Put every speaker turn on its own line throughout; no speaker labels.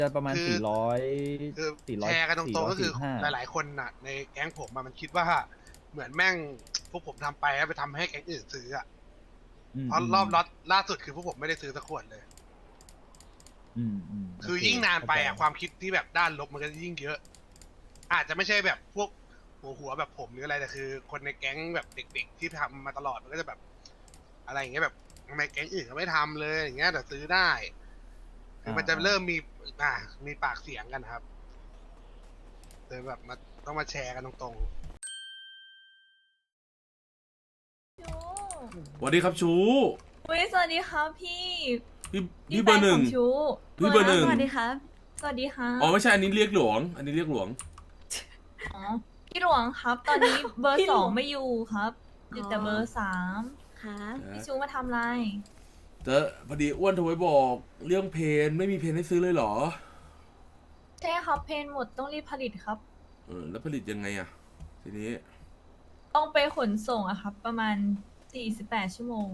จะประมาณ
คือคือแชร์กันตรงๆก็คือ
445
หลายๆคนน่ะในแก๊งผมมันคิดว่าเหมือนแม่งพวกผมทำไปแล้วไปทำให้แก๊งอื่นซื้ออ่ะเพราะรอบล็อตล่าสุดคือพวกผมไม่ได้ซื้อสักขวดเลย คือยิ่งนานไปอ่ะความคิดที่แบบด้านลบมันก็ยิ่งเยอะ อาจจะไม่ใช่แบบพวกหัวแบบผมหรืออะไรแต่คือ คนในแก๊งแบบเด็กๆที่ทำมาตลอดมันก็จะแบบ อะไรอย่างเงี้ยแบบทำไมแก๊งอื่นเขาไม่ทำเลยอย่างเงี้ยแต่ซื้อได้คือมันจะเริ่มมีมีปากเสียงกันครับเลยแบบมาต้องมาแชร์กันตรง
ชู
สวัสดีครับชู
อุ้ยสวัสดีครับพี่
พี่
พี่
เบอร์หนึ่ง
แฟขชู
พี่เบอร์หนึ่ง
สวัสดีครับ สวัสดีครับ
อ๋อไม่ใช่อันนี้เรียกหลวง อันนี้เรียกหลวง
อ๋อพี่หลวงครับ ตอนนี้เบอร์
พี่หล
ส
ว
อง งไม่อยู่ครับอยู่แต่เบอร์สาม
ครับ
พี่ชูมาทำอะไร
แต่พอดีอ้วนโทรไปบอกเรื่องเพนไม่มีเพนให้ซื้อเลยเหรอ
ใช่ครับเพนหมดต้องรีบผลิตครับ
แล้วผลิตยังไงอ่ะ ทีนี้
ต้องไปขนส่งอะครับ ประมาณ48 ชั่วโมง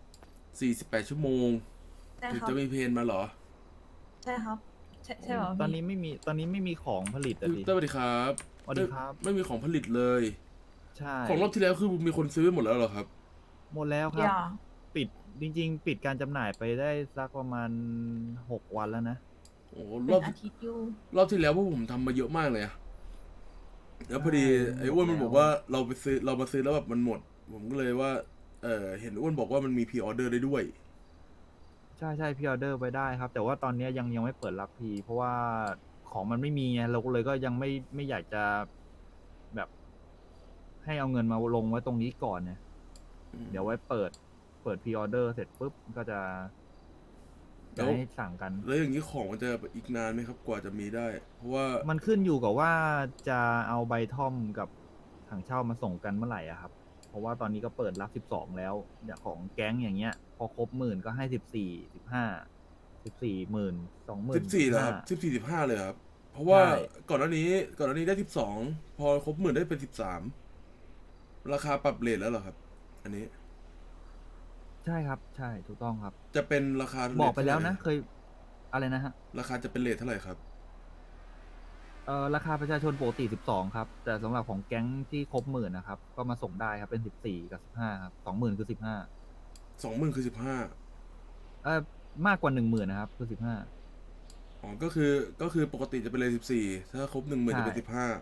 48 ชั่วโมง
ใช่
ถึง
ครับ
จะมีเพนมาเหรอ
ใช่ครับ ใช่เหรอ
ตอน
พี่
นี้ไม่มีของผลิตอะดิ
สวัสดีครับ
สวัสดีครับ
ไม่มีของผลิตเลย
ใช่
ของรอบที่แล้วคือมีคนซื้อไปหมดแล้วเหรอครับ
หมดแล้วครับ
อย่า
ปิดจริงๆ ปิดการจำหน่ายไปได้สักประมาณ6 วันแล้วนะ
โอ้ร
เป็
อบ
นอาทิตย์อยู่
รอบที่แล้วพวกผมทำมาเยอะมากเลยอะแล้วพอดี
ใช่
ไอ้อ้วนมัน
หมดแล้ว
บอกว่าเรามาซื้อแล้วแบบมันหมด ผมก็เลยว่า เห็นอ้วนบอกว่ามันมีพรีออเดอร์ได้ด้วย
ใช่พี่ออเดอร์ไปได้ครับ แต่ว่าตอนนี้ยังไม่เปิดรับพีเพราะว่าของมันไม่มีไงเราก็เลยก็ยังไม่อยากจะแบบ ให้เอาเงินมาลงไว้ตรงนี้ก่อนเนี่ย เดี๋ยวไว้เปิดพรีออเดอร์เสร็จปุ๊บก็จะ
แล้
จะ
ว
ให้สั่งกัน
แล้วอย่างนี้ของมันจะอีกนานไหมครับกว่าจะมีได้ เพราะว่า
มันขึ้นอยู่กับว่าจะเอาใบท่อมกับถังเช่ามาส่งกันเมื่อไหร่อะครับ เพราะว่าตอนนี้ก็เปิดรับ12แล้วอย่างของแก๊งอย่างเงี้ย พอครบหมื่นก็ให้14 15 14 10,000 20,000
14เหรอครับ14 15เลยครับ เพราะว่า
ใช่
ก่อนหน้านี้ได้12พอครบ10,000ได้เป็น13ราคาปรับเรทแล้วเหรอครับ อันนี้
ใช่ครับ ใช่ถูกต้องครับ
จะเป็นราคา
บอกไปแล้วนะ
เท่าหร่
เคยอะไรนะฮะ
ราคาจะเป็นเรทเท่าไหร่ครับ
ราคาประชาชนปกติ12ครับ แต่สำหรับของแก๊งที่ครบหมื่นนะครับ ก็มาส่งได้ครับเป็น14กับ15ครับ20,000คือ15
20,000คือ15
มากกว่า10,000นะครับคือ15
อ๋อก็คือปกติจะเป็นเรท14ถ้าครบ10,000จะเป็น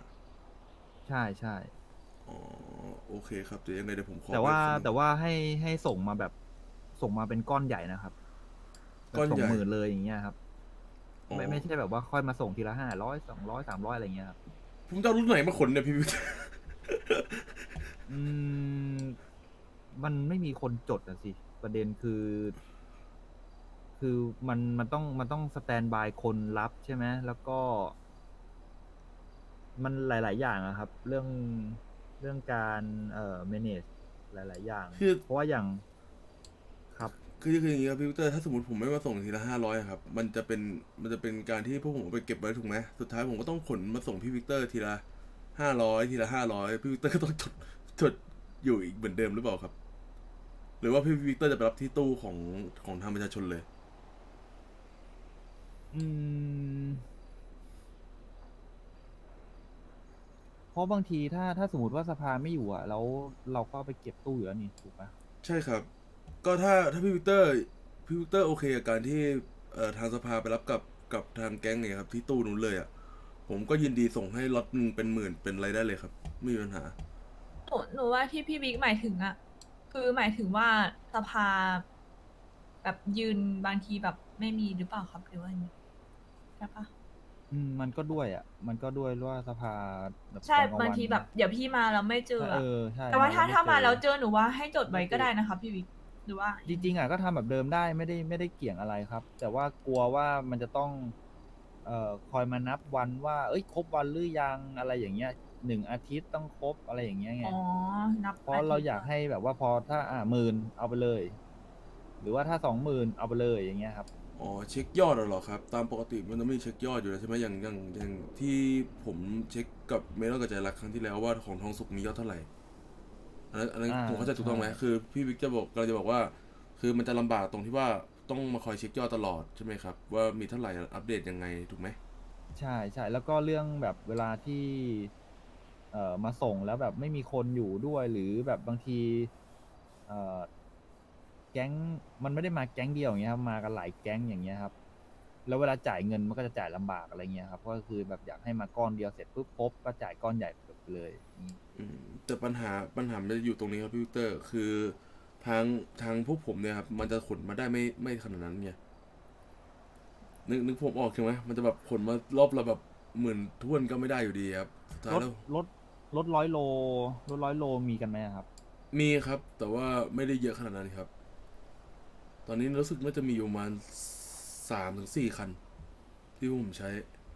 15
ใช่ใช่
อ๋อโอเคครับเดี๋ยวยังไงเดี๋ยวผมขอ
แต่ว่า
ไปข้อมูล
แต่ว่าให้ส่งมาแบบส่งมาเป็นก้อนใหญ่นะครับ
ก้อนใหญ่
ส่งหมื่นเลยอย่างเงี้ยครับ
อ๋อ
ไม่ใช่แบบว่าค่อยมาส่งทีละ500 200 300อะไรเงี้ยครับ
ผมจะเอารุ่นไหนมาขนเนี่ยพี่วิทย์
อืมมันไม่มีคนจดอะสิ ประเด็นคือ คือมันต้องสแตนบายคนรับใช่ไหมแล้วก็ มันหลาย ๆ อย่างอะครับ เรื่องการmanage หลาย ๆ อย่าง
คือ
เพราะว่าอย่างครับ
คืออย่างนี้ครับพี่วิกเตอร์ถ้าสมมติผมไม่มาส่งทีละ500ครับมันจะเป็นการที่พวกผมเอาไปเก็บไว้ถูกไหมสุดท้ายผมก็ต้องขนมาส่งพี่วิกเตอร์ทีละ500ทีละ500พี่วิกเตอร์ก็ต้องจดอยู่อีกเหมือนเดิมหรือเปล่าครับ หรือว่าพี่วิกเตอร์จะไปรับที่ตู้ของทางประชาชนเลย
อืม เพราะบางทีถ้าสมมติว่าสภาไม่อยู่อ่ะ แล้วเราก็ไปเก็บตู้อยู่แล้วนี่ถูกปะ
ใช่ครับ ก็ถ้าพี่วิกเตอร์โอเคกับการที่ทางสภาไปรับกับทางแก๊งเนี่ยครับที่ตู้นู้นเลยอ่ะผมก็ยินดีส่งให้ล็อตหนึ่งเป็นหมื่นเป็นอะไรได้เลยครับไม่มีปัญหา
หนูว่าที่พี่บิ๊กหมายถึงอะคือหมายถึงว่าสภา แบบยืนบางทีแบบไม่มีหรือเปล่าครับหรือว่าอย่างนี้ใช่ปะ
มันก็ด้วยอ่ะ มันก็ด้วยว่าสภาแบบ
ใช่
ตอนกลง
บาง
วัน
ทีแบบเดี๋ยวพี่มาแล้วไม่เจออะ
ใช่
แต่ว่าถ้า
เร
มา
ไเจอ
แล้วเจอหนูว่าให้จดไว้ก็ได้นะครับพี่บิ๊กหรือว่า
จริงๆอ่ะก็ทำแบบเดิมได้ไม่ได้เกี่ยงอะไรครับ แต่ว่ากลัวว่ามันจะต้องคอยมานับวันว่า เอ้ยครบวันหรือยังอะไรอย่างเงี้ย1 อาทิตย์ต้องครบอะไรอย่างเงี้ยไง
อ๋อ นับ
เพราะเราอยากให้แบบว่าพอถ้า10,000เอาไปเลย หรือว่าถ้า20,000เอาไปเลยอย่างเงี้ยครับ
อ๋อเช็คยอดเหรอครับตามปกติมันต้องมีเช็คยอดอยู่แล้วใช่ไหมอย่างที่ผมเช็คกับเมลกับใจรักครั้งที่แล้วว่าของทองสุกมียอดเท่าไหร่อันนั้นผมเข้าใจถูกต้องไหม
ใช่
คือพี่วิกจะบอกเราจะบอกว่า คือมันจะลำบากตรงที่ว่าต้องมาคอยเช็คยอดตลอดใช่ไหมครับว่ามีเท่าไหร่อัปเดตยังไงถูกไหม
ใช่ใช่แล้วก็เรื่องแบบเวลาที่มาส่งแล้วแบบไม่มีคนอยู่ด้วยหรือแบบบางทีเอ่อแก๊งมันไม่ได้มาแก๊งเดียวอย่างเงี้ยครับมากันหลายแก๊งอย่างเงี้ยครับแล้วเวลาจ่ายเงินมันก็จะจ่ายลำบากอะไรเงี้ยครับก็คือแบบอยากให้มาก้อนเดียวเสร็จปุ๊บครบก็จ่ายก้อนใหญ่ไปเลยอย่างงี้
แต่ปัญหามันจะอยู่ตรงนี้ครับพี่วิกเตอร์คือทางพวกผมเนี่ยครับมันจะขนมาได้ไม่ขนาดนั้นไงนึกผมออกใช่ไหมมันจะแบบขนมารอบละแบบหมื่นท้วนก็ไม่ได้อยู่ดีครับสุดท้าย
รถ
แล้ว
รถร้อยโลมีกันไหมอะครับ
มีครับ แต่ว่าไม่ได้เยอะขนาดนั้นครับ ตอนนี้รู้สึกว่าจะมีอยู่ประมาณ3 ถึง 4 คัน ที่ผมใช้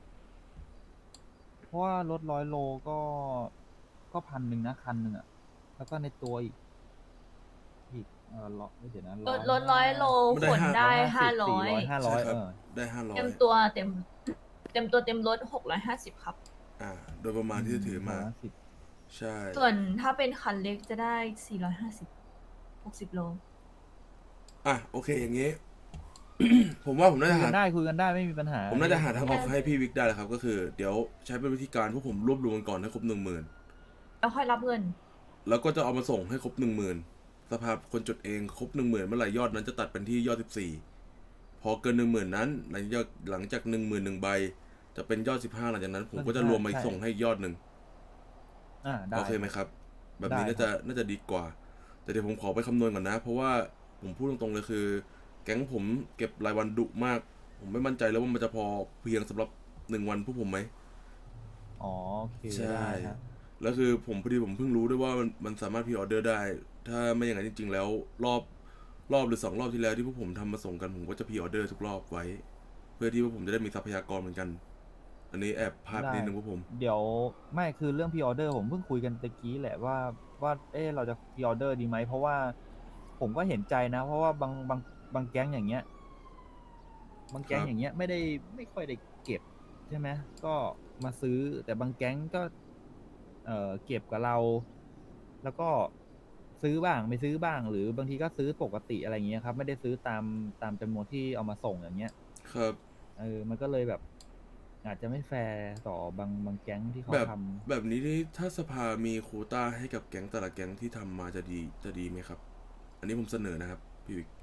เพราะว่ารถ100 โลก็1,100นะคันหนึ่งอะแล้วก็ในตัวอีกร้อยเดี๋ยวนะ
รถ100 โล
ไม่ได้
ขนได้
400
500
500
ใช่ครับ ได้
เต็ม
500
ตัวเต็มตัวเต็มรถ650ครับ
โดยประมาณที่จะถือมา
550
ใช่
ส่วนถ้าเป็นคันเล็กจะได้450 60 โล
โอเคอย่างงี้ ผมว่าผมน่า
คุ
จะ
ยกั
หา
นได้คุยกันได้ไม่มีปัญหา
ผมน่าจะหาทางออกให้พี่วิกได้แหละครับ ก็คือเดี๋ยวใช้เป็นวิธีการพวกผมรวบรวมกันก่อนให้ครบ 10,000
แล้วค่อยรับเงิน
แล้วก็จะเอามาส่งให้ครบ 10,000สภาคนจดเองครบ 10,000เมื่อไหร่ยอดนั้นจะตัดเป็นที่ยอด14พอเกิน 10,000นั้นหลังจาก 10,001 ใบ จะเป็นยอด15หลังจากนั้น ผมก็จะรวมมาอีกส่งให้อีกยอดหนึ่ง
ได้
โอเคไหมครับ แบบนี้
ได้
น่าจะดีกว่า แต่เดี๋ยวผมขอไปคำนวณก่อนนะ เพราะว่าผมพูดตรงๆเลยคือ แก๊งผมเก็บรายวันดุมาก ผมไม่มั่นใจแล้วว่ามันจะพอเพียงสำหรับ1 วันพวกผมไหม
อ๋อโอเค
ใช่
ได้ครับ
แล้วคือผมพอดีผมเพิ่งรู้ด้วยว่ามันสามารถพรีออเดอร์ได้ ถ้าไม่อย่างนั้นจริงๆแล้วรอบหรือ2 รอบที่แล้วที่พวกผมทำมาส่งกันผมก็จะพรีออเดอร์ทุกรอบไว้ เพื่อที่ว่าผมจะได้มีทรัพยากรเหมือนกัน อันนี้แอบพลาดนิดนึงพวกผม
เดี๋ยวไม่คือเรื่องพ r ออเดอร์ผมเพิ่งคุยกันตะกี้แหละว่าเราจะพ r ออเดอร์ดีไหมเพราะว่าผมก็เห็นใจนะ เพราะว่าบางแก๊งอย่างเงี้ยบางแก๊ง
ครับ
อย่างเงี้ยไม่ค่อยได้เก็บใช่ไหมก็มาซื้อแต่บางแก๊งก็เก็บกับเรา แล้วก็ซื้อบ้างไม่ซื้อบ้าง หรือบางทีก็ซื้อปกติอะไรเงี้ยครับ ไม่ได้ซื้อตามจำนวนที่เอามาส่งอย่างเงี้ย
ครับ
มันก็เลยแบบ อาจจะไม่แฟร์ต่อบางแก๊งที่เขา
แบบ
ทำ
แบบนี้นี่ถ้าสภามีโควต้าให้กับแก๊งแต่ละแก๊งที่ทำมาจะดีไหมครับ อันนี้ผมเสนอนะครับพี่วิก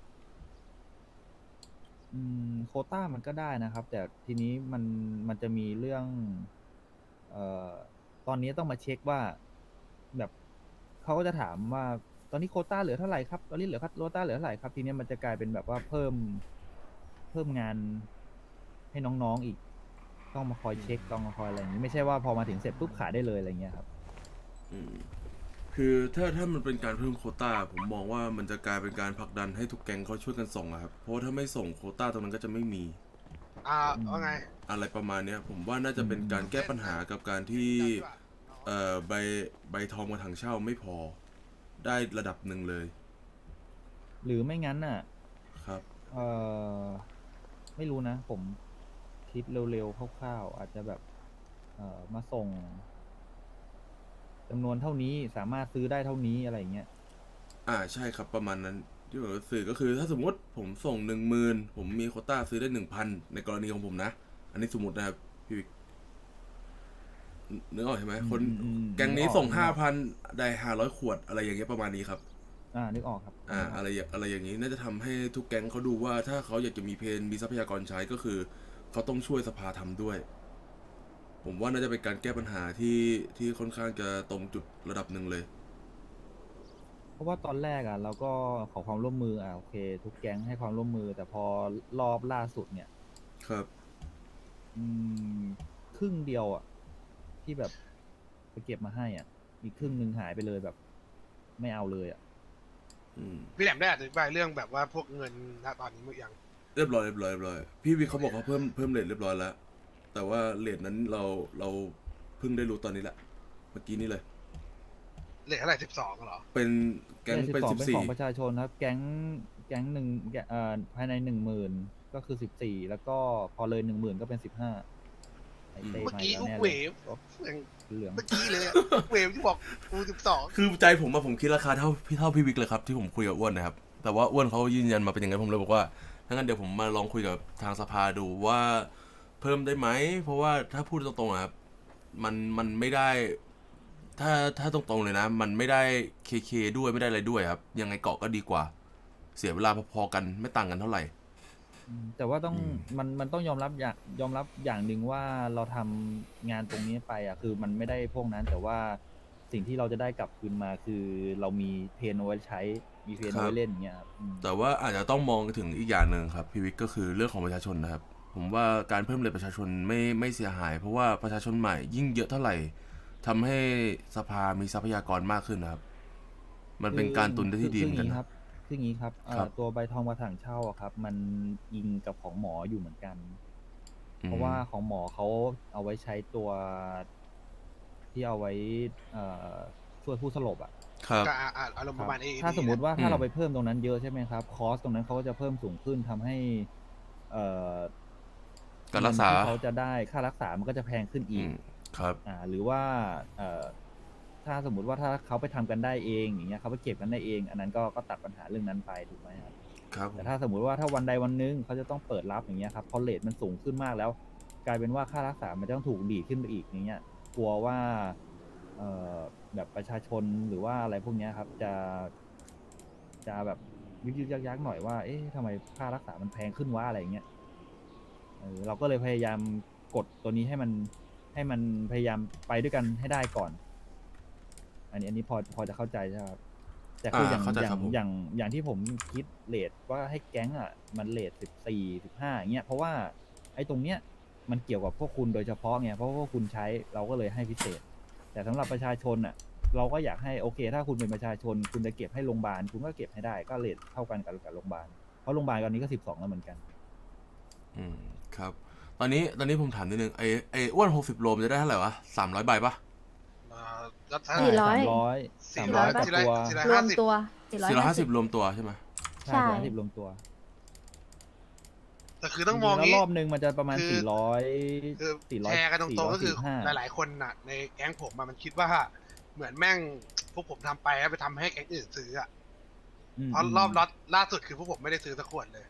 โควต้ามันก็ได้นะครับ แต่ทีนี้มันจะมีเรื่องตอนนี้ต้องมาเช็คว่าแบบเขาก็จะถามว่าตอนนี้โควต้าเหลือเท่าไหร่ครับตอนนี้โควต้าเหลือเท่าไหร่ครับทีนี้มันจะกลายเป็นแบบว่าเพิ่มงานให้น้องๆอีก ต้องมาคอยเช็คต้องมาคอยอะไรอย่างนี้ไม่ใช่ว่าพอมาถึงเสร็จปุ๊บขายได้เลยอะไรเงี้ยครับ
คือถ้ามันเป็นการเพิ่มโควต้าผมมองว่ามันจะกลายเป็นการผลักดันให้ทุกแก๊งเขาช่วยกันส่งอะครับเพราะว่าถ้าไม่ส่งโควต้าตรงนั้นก็จะไม่มี
ว่าไง
อะไรประมาณเนี้ยผมว่าน่าจะเป็นการแก้ปัญหากับการที่ใบทองกับถังเช่าไม่พอได้ระดับหนึ่งเลย
หรือไม่งั้นน่ะ
ครับ
ไม่รู้นะ ผมคิดเร็วๆคร่าวๆอาจจะแบบมาส่งจำนวนเท่านี้สามารถซื้อได้เท่านี้อะไรเงี้ย
ใช่ครับประมาณนั้นที่ผมจะสื่อก็คือถ้าสมมติผมส่ง 10,000ผมมีโควต้าซื้อได้ 1,000 ในกรณีของผมนะ อันนี้สมมตินะครับพี่วิกนึกออกใช่ไหมคน แก๊งนี้ส่ง 5,000 ได้500 ขวดอะไรอย่างเงี้ยประมาณนี้ครับ
นึกออกครับ
อะไรอย่างนี้น่าจะทำให้ทุกแก๊งเขาดูว่าถ้าเขาอยากจะมีเพนมีทรัพยากรใช้ก็คือเขาต้องช่วยสภาทำด้วย ผมว่าน่าจะเป็นการแก้ปัญหาที่ค่อนข้างจะตรงจุดระดับหนึ่งเลย
เพราะว่าตอนแรกเราก็ขอความร่วมมือโอเค ทุกแก๊งให้ความร่วมมือ แต่พอรอบล่าสุดเนี่ย
ครับ
ครึ่งเดียวที่แบบไปเก็บมาให้อีกครึ่งหนึ่งหายไปเลยแบบ ไม่เอาเลย
พี่แหลมได้อธิบายเรื่องแบบว่าพวกเงินณตอนนี้มั้ยยัง
เรียบร้อยพี่วิกเขาบอกเขาเพิ่มเรทเรียบร้อยแล้วแต่ว่าเรทนั้นเราเพิ่งได้รู้ตอนนี้แหละเมื่อกี้นี้เลย
เหลือเท่าไหร่12เหรอ
เป็นแก๊งเป็น
เป็นของประ
14
ชาชนครับ แก๊งหนึ่งภายใน10,000ก็คือ14แล้วก็พอเลย10,000ก็เป็น15ไอเต้
เมื่อ
มา
กี้
แล้ว
อุก
แน่
เว
เลย
ฟ
เหลือง
เมื่อกี้เลยอุกเวฟที่บอกกู12
คือใจผมคิดราคาเท่าพี่วิกเลยครับที่ผมคุยกับอ้วนนะครับแต่ว่าอ้วนเขายืนยันมาเป็นอย่างนั้นผมเลยบอกว่าถ้างั้นเดี๋ยวผมมาลองคุยกับทางสภาดูว่าเพิ่มได้ไหมเพราะว่าถ้าพูดตรงๆอะครับมันไม่ได้ถ้าตรงๆเลยนะมันไม่ได้เคด้วยไม่ได้อะไรด้วยครับยังไงเกาะก็ดีกว่าเสียเวลาพอๆกันไม่ต่างกันเท่าไหร่
แต่ว่าต้อง
อืม
มันต้องยอมรับอย่างหนึ่งว่าเราทำงานตรงนี้ไปอ่ะคือมันไม่ได้พวกนั้น แต่ว่าสิ่งที่เราจะได้กลับคืนมาคือเรามีเพนเอาไว้ใช้มีเพนเอาไว้เล่นอย่างเงี้ยครับ
แต่ว่าอาจจะต้องมองถึงอีกอย่างหนึ่งครับพี่วิกก็คือเรื่องของประชาชนนะครับผมว่าการเพิ่มเลทประชาชนไม่เสียหาย เพราะว่าประชาชนใหม่ยิ่งเยอะเท่าไหร่ทำให้สภามีทรัพยากรมากขึ้นนะครับมันเป็นการตุนได้ที่ดีเหมือนกัน
ครับคืออย่างนี้ครับ
ครับ
ตัวใบทองกระถางเช่าอะครับ มันอิงกับของหมออยู่เหมือนกัน
อืม
เพราะว่าของหมอเขาเอาไว้ใช้ตัวที่เอาไว้ช่วยผู้สลบอ่ะ
ครับ
ก็อารมณ์ประมาณ AED
ถ้าสมมุติว่า
อืม
ถ้าเราไปเพิ่มตรงนั้นเยอะใช่ไหมครับ คอสตรงนั้นเขาก็จะเพิ่มสูงขึ้นทำให้เอ่อ
การรักษา
เงินที่เขาจะได้ค่ารักษามันก็จะแพงขึ้น
อื
อีก
มครับ
หรือว่าถ้าสมมุติว่าถ้าเขาไปทำกันได้เองอย่างเงี้ยเขาไปเก็บกันได้เอง อันนั้นก็ตัดปัญหาเรื่องนั้นไปถูกไหมครับ
ครับผม
แต่ถ้าสมมุติว่าถ้าวันใดวันหนึงเขาจะต้องเปิดรับอย่างเงี้ยครับพอเรทมันสูงขึ้นมากแล้ว กลายเป็นว่าค่ารักษามันจะต้องถูกดีดขึ้นไปอีกอย่างเงี้ยกลัวว่าเอ่อแบบประชาชนหรือว่าอะไรพวกเนี้ยครับจะแบบยึกยักหน่อยว่าเอ๊ะทำไมค่ารักษามันแพงขึ้นวะอะไรอย่างเงี้ยเราก็เลยพยายามกดตัวนี้ให้มันพยายามไปด้วยกันให้ได้ก่อน อันนี้พอจะเข้าใจใช่ไหมครับแต่คืออย่าง
เข้าใจ
อย่า
ครั
ง
บผม
อย่างที่ผมคิดเรทว่าให้แก๊งอ่ะมันเรท14-15อย่างเงี้ยเพราะว่าไอ้ตรงเนี้ยมันเกี่ยวกับพวกคุณโดยเฉพาะไงเพราะว่าพวกคุณใช้เราก็เลยให้พิเศษ แต่สำหรับประชาชนอ่ะเราก็อยากให้โอเค ถ้าคุณเป็นประชาชน คุณจะเก็บให้โรงพยาบาลคุณก็เก็บให้ได้ก็เรทเท่ากันกับโรงพยาบาลเพราะโรงพยาบาลตอนนี้ก็12แล้วเหมือนกัน
อืมครับ ตอนนี้ผมถามนิดนึงไอ้อ้วน60 โลมันจะได้เท่าไหร่วะ300 ใบปะ
แล้วถ้า
400
300กับตัว
รวมตัว
450 รวมตัวใช่ไหม
ใช่450รวมตัว
แต่คือต้องมอง
จริๆแล้ว
งี้
รอบนึงมันจะประมาณ
คือ
400
คือ
400
แชร์กันตรงๆก็คือ
445
หลายๆคนน่ะ ในแก๊งผมมันคิดว่าเหมือนแม่งพวกผมทำไปแล้วไปทำให้แก๊งอื่นซื้ออ่ะเพราะรอบล็อตล่าสุดคือพวกผมไม่ได้ซื้อสักขวดเลย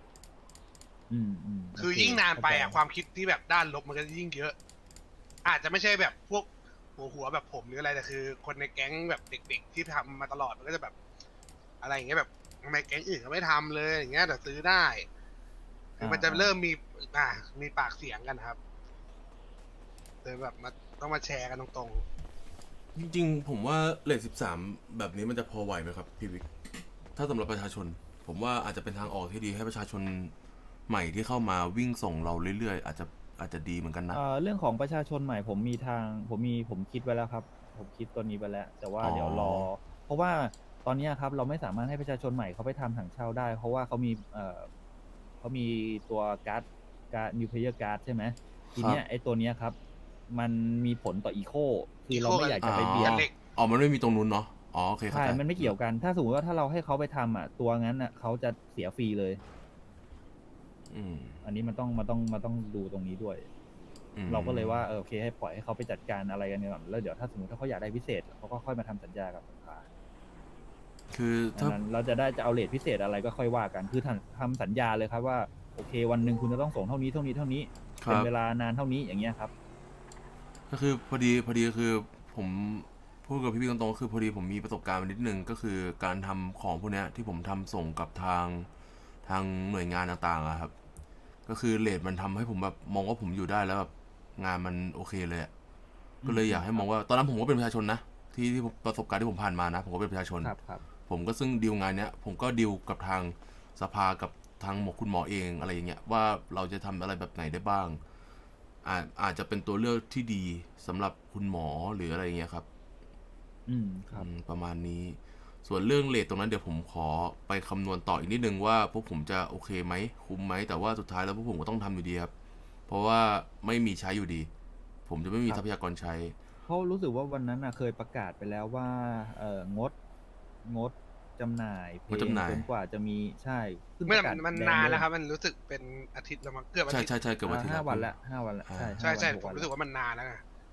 คือ
โเ
ยิ่งนานไปอ่ะ
เข้ใจ
ความคิดที่แบบด้านลบมันก็ยิ่งเยอะ อาจจะไม่ใช่แบบพวกหัวแบบผมหรืออะไรแต่คือ คนในแก๊งแบบเด็กๆที่ทำมาตลอดมันก็จะแบบ อะไรอย่างเงี้ยแบบทำไมแก๊งอื่นเขาไม่ทำเลยอย่างเงี้ยแต่ซื้อได้คือมันจะเริ่มมีปากเสียงกันครับเลยแบบต้องมาแชร์กันตรง
จริงๆผมว่าเลท13แบบนี้มันจะพอไหวไหมครับพี่วิกถ้าสำหรับประชาชน ผมว่าอาจจะเป็นทางออกที่ดีให้ประชาชนใหม่ที่เข้ามาวิ่งส่งเราเรื่อยๆอาจจะดีเหมือนกันนะ
เรื่องของประชาชนใหม่ผมคิดไว้แล้วครับ ผมคิดตัวนี้ไปแล้ว แต่ว่า
อ๋อ
เดี๋ยวรอ เพราะว่าตอนนี้ครับเราไม่สามารถให้ประชาชนใหม่เขาไปทำถังเช่าได้ เพราะว่าเขามีตัวการ์ดนิวเพลเยอร์การ์ดใช่ไหมทีเนี้ยไอ้ตัวเนี้ยครับ มันมีผลต่ออีโคคือเราไม่อยากจะไปเบียด
กันเหล็ก
อ๋อมันไม่มีตรงนู้นเนาะอ๋อโอเคเข้า
ใช่
ใจ
มันไม่เกี่ยวกัน ถ้าสมมติว่าถ้าเราให้เขาไปทำตัวงั้นเขาจะเสียฟรีเลย
อืม
อันนี้มันต้องดูตรงนี้ด้วย
อืม
เราก็เลยว่าโอเคให้ปล่อยให้เขาไปจัดการอะไรกันก่อนแล้วเดี๋ยวถ้าสมมติถ้าเขาอยากได้พิเศษเขาก็ค่อยมาทำสัญญากับสภา
คือ
อัน
ถ้า
นั้นเราจะเอาเรทพิเศษอะไรก็ค่อยว่ากัน คือทำสัญญาเลยครับว่าโอเควันหนึ่งคุณจะต้องส่งเท่านี้
ครั
เป็น
บ
เวลานานเท่านี้อย่างเงี้ยครับ
ก็คือพอดีคือผมพูดกับพี่ๆตรงๆก็คือพอดีผมมีประสบการณ์มานิดนึงก็คือการทำของพวกเนี้ยที่ผมทำส่งกับทางหน่วยงานต่างๆอะครับ ก็คือเรทมันทำให้ผมแบบมองว่าผมอยู่ได้แล้วแบบงานมันโอเคเลยอะก็เลยอยากให้มองว่าตอนนั้นผมก็เป็นประชาชนนะที่ประสบการณ์ที่ผมผ่านมานะผมก็เป็นประชาชน
ครับ
ผมก็ซึ่งดีลงานเนี้ยผมก็ดีลกับทางสภากับทางคุณหมอเองอะไรอย่างเงี้ยว่าเราจะทำอะไรแบบไหนได้บ้างอาจจะเป็นตัวเลือกที่ดีสำหรับคุณหมอหรืออะไรอย่างเงี้ยครับ
ครับ
ประมาณนี้ ส่วนเรื่องเรทตรงนั้นเดี๋ยวผมขอไปคำนวณต่ออีกนิดนึงว่าพวกผมจะโอเคไหมคุ้มไหมแต่ว่าสุดท้ายแล้วพวกผมก็ต้องทำอยู่ดีครับเพราะว่าไม่มีใช้อยู่ดี ผมจะไม่มี
ครับ
ทรัพยากรใช้
เพราะรู้สึกว่าวันนั้นเคยประกาศไปแล้วว่างดจำหน่ายเพล
งดจำหน่าย
จนกว่าจะมีใช่ขึ้น
ไม่
ประกาศ
มัน
ดง
นาน
เย
แล้วครับ มันรู้สึกเป็นอาทิตย์แล้วมั้งเกือบอา
ใช่
ทิตย์
ใช่ใช่เกือบอาทิตย์
5 วัน
แล้
ละ5 วันละ
อ่า
ใช่
ใช่
5
ใช่
วัน
ผม
6
รู้สึกว่ามันนานแล้วไง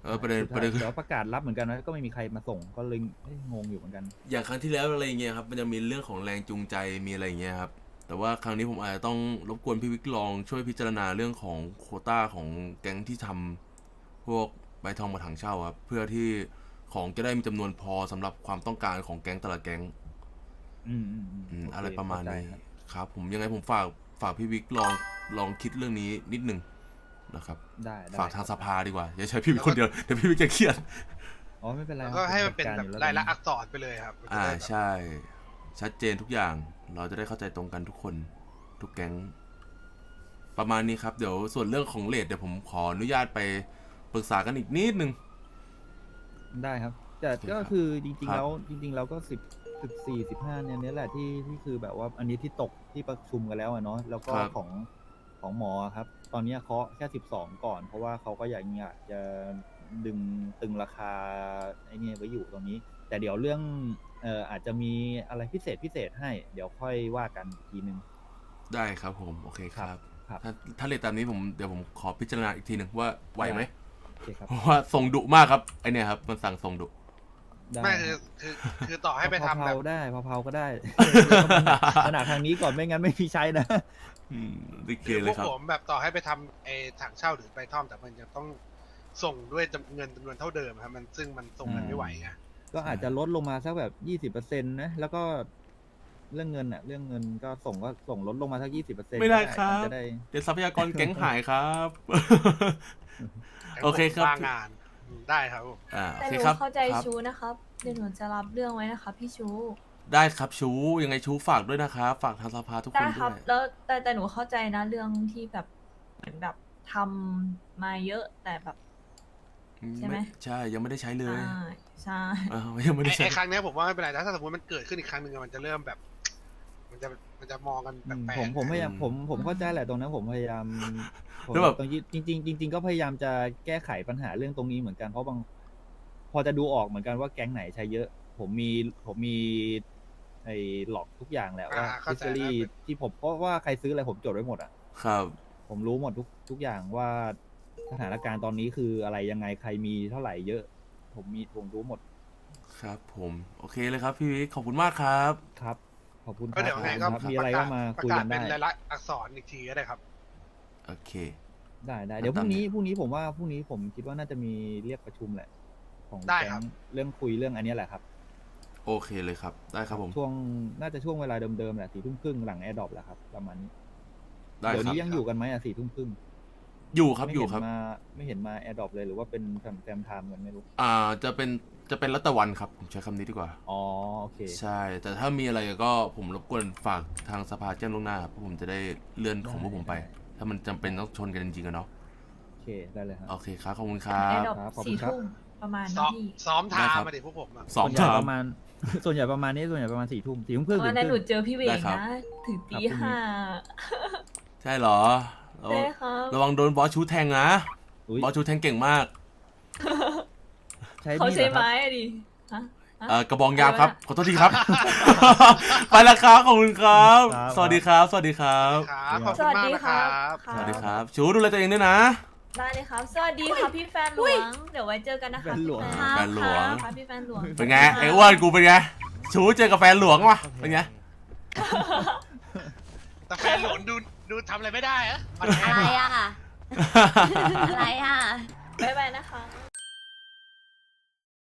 ประเด็น
สุด
ป
ท้า
ระ
ย
เด็นคือ
เดี๋ยวประกาศรับเหมือนกันนะก็ไม่มีใครมาส่งก็เลยงงอยู่เหมือนกัน
อย่างครั้งที่แล้วอะไรเงี้ยครับมันจะมีเรื่องของแรงจูงใจมีอะไรเงี้ยครับแต่ว่าครั้งนี้ผมอาจจะต้องรบกวนพี่วิกลองช่วยพิจารณาเรื่องของโควต้าของแก๊งที่ทำพวกใบทองมาถังเช่าครับเพื่อที่ของจะได้มีจำนวนพอสำหรับความต้องการของแก๊งแต่ละแก๊ง
โเค
อะไรประมาณนี้
เข้ใจครับ
ครับผมยังไงผมฝากพี่วิกลองคิดเรื่องนี้นิดนึงนะครับ
ได้
ฝากทางสภาดีกว่าอย่าใช้พี่วิกคนเดียวเดี๋ยวพี่วิกจะเครียด
อ๋อไม่เป็นไร
แล้ว
ครับ
ก็ให้มัน
ผ
เป็น
จัด
แบ
ก
บ
รอยู่
รายละ
ตอนนี้
อักษรไปเลยครับมันจะได้แบบ
ใช่ ชัดเจนทุกอย่างเราจะได้เข้าใจตรงกันทุกคนทุกแก๊งประมาณนี้ครับเดี๋ยวส่วนเรื่องของเรทเดี๋ยวผมขออนุญาตไปปรึกษากันอีกนิดนึง
ได้ครับ แต่
โอเค
ก็
ครับ
คือจริง
ครับ
ๆแล้วก็14-15เนี่ยแหละที่คือแบบว่าอันนี้ที่ตกที่ประชุมกันแล้วอะเนาะแล้วก็ของหมอครับ ตอนนี้เคาะแค่12ก่อน เพราะว่าเขาก็อยากจะดึงตึงราคาไอ้นี่ไว้อยู่ตรงนี้ แต่เดี๋ยวเรื่องอาจจะมีอะไรพิเศษให้ เดี๋ยวค่อยว่ากันอีกทีนึง
ได้ครับผมโอเคครับ
ครับ
ถ้าเรทตามนี้เดี๋ยวผมขอพิจารณาอีกทีหนึ่งว่าไหวไหม
โอเคครับ
เพราะว่าส่งดุมากครับไอเนี่ยครับมันสั่งส่งดุ
ได้
ไม่คือต่อให้ไปทำแบบ
เผาๆได้เผาๆก็ได้ ขนาดทางนี้ก่อนไม่งั้นไม่มีใช้นะ
โอเค
คือ
เล
พวย ก
ครับ
ผมแบบต่อให้ไปทำถังเช่าหรือไปท่อมแต่มันยังต้องส่งด้วยเงินจำนวนเท่าเดิมครับมันซึ่งมันส่งกันไม่ไหวไง
ก็อาจจะลดลงมาสักแบบ20%นะ แล้วก็เรื่องเงินเรื่องเงินก็ส่งลดลงมาสัก20%
ไม่ได้ครับ
จะได้
เดี๋ยวทรัพยากรแก๊งหายครับ โอเคครับ
ว่างงานได้ครับผม
โอ
แต่
เค
หนู
ครับ
เข้าใจ
ครับ
ชูนะครับเดี๋ยวหนูจะรับเรื่องไว้นะคะพี่ชู
ได้ครับชูยังไงชูฝากด้วยนะครับฝากทางสภาทุกค
ได้
น
ค
ด้
รั
ว
บ
ย
แล้วแต่หนูเข้าใจนะเรื่องที่แบบเหมือนแบบทำมาเยอะแต่แบบ ใช่ไหม
ใช่ยังไม่ได้ใช้เลย
ใช่
ยังไม่ได้ใช้
ไอ้ครั้งเนี้ยผมว่าไม่เป็นไรถ้าสมมติมันเกิดขึ้นอีกครั้งหนึ่งอะมันจะเริ่มแบบ มันจะมองกันแปลกๆ
ผมพยายามผมเข้าใจแหละตรงนั้นผมพยายามผม
แล้วแบบ
ตรงนี้จริงๆก็พยายามจะแก้ไขปัญหาเรื่องตรงนี้เหมือนกันเพราะพอจะดูออกเหมือนกันว่าแก๊งไหนใช้เยอะ ผมมีไอ้หลอกทุกอย่างแหละว่า
เข้า
ฟิ
ใจ
สซี่
แล้ว
ที่ผมเพราะว่าใครซื้ออะไรผมจดไว้หมดอ่ะ
ครับ
ผมรู้หมดทุกอย่างว่าสถานการณ์ตอนนี้คืออะไรยังไงใครมีเท่าไหร่เยอะ ผมรู้หมด
ครับผมโอเคเลยครับพี่วิกขอบคุณมากครับ
ครับ ขอบคุณค
ก็
รับ
เดี๋ยวไงก็
ขอบคุณครับมีอะไรก็มาคุยกัน
เป็
ได้
นรายละอักษรอีกทีก็ได้ครับ
โอเค
ได้เดี๋ยวพ
ตาม
รุ่งนี้ผมว่าพรุ่งนี้ผมคิดว่าน่าจะมีเรียกประชุมแหละ ของ
ได้
แก๊
ครั
ง
บ
เรื่องคุยเรื่องอันเนี้ยแหละครับ
โอเคเลยครับได้ครับผม
น่าจะช่วงเวลาเดิมๆแหละ4:30หลังแอร์ดรอปแหละครับประมาณนี้
ได้
เดี๋ยว
ครับ
นี้ยังอยู่กันไหม4:30
อยู่ครับอยู่ครับ
ไม่เห็นมาแอร์ดรอปเลยหรือว่าเป็นแฟมไทม์กันไม่รู้
จะเป็นรัตวันครับผมใช้คำนี้ดีกว่า
อ๋อโอเค
ใช่ แต่ถ้ามีอะไรก็ผมรบกวนฝากทางสภาแจ้งล่วงหน้าเพราะผมจะได้เลื่อนของพวกผมไป ถ้ามันจำเป็นต้องชนกันจริงๆอะเนาะ
โอเคได้เลยครับ
โอเคครับขอบคุณครั
แอร์
บ
ดรอป
ครับขอบคุณครับ
4 ทุ่มประมาณ
ซ้อ
นะ
ม
พี่
ซ้อม
ได้
ทา
ครับ
มาดิพวกผมอะ
สอง
ส่วนใหญ่
ถาม
ประมาณ ส่วนใหญ่ประมาณนี้ส่วนใหญ่ประมาณ4:30
วันนั้นหนูเจอพี่เว
ได้
ง
ครับ
นะถึงตี
ครับพรุ่งนี้
ห้า
ใช่เหรอ
ใช่ครับ
ระวังโดนบอสชูแทงนะ
อุ๊ย
บอสชูแทงเก่งมาก
ใช้
เขา
มีด
ใช้
เหรอครับ
ไม้อะดิฮะ
กระบองยามครับ ขอโทษทีครับ ไปแล้วครับขอบคุณครับ
ครับ
สวัสดีครับ สวัสดีครับ
ครับขอบ
ส
คุณ
วัส
มาก
ดี
นะ
ค
ค
รั
รับ บ
สวัสดีครับ ชูดูแลตัวเองด้วยนะ
ได้เลยครับ สวัสดีค่ะพี่แฟนหลวง เดี๋ยวไว้เจอกันนะคะ
แฟนหลวง
พี่
แฟนหลวง
ค่ะพี่แฟนหลวง
เป็นไงไอ้อ้วนกูเป็นไง ชูเจอกับแฟนหลวงวะเป็นไง
แต่แฟนหลวงดูทำอะไรไม่ได้อะ
อะไรอ่ะ อะไรอ่ะ
บ๊ายบายนะคะ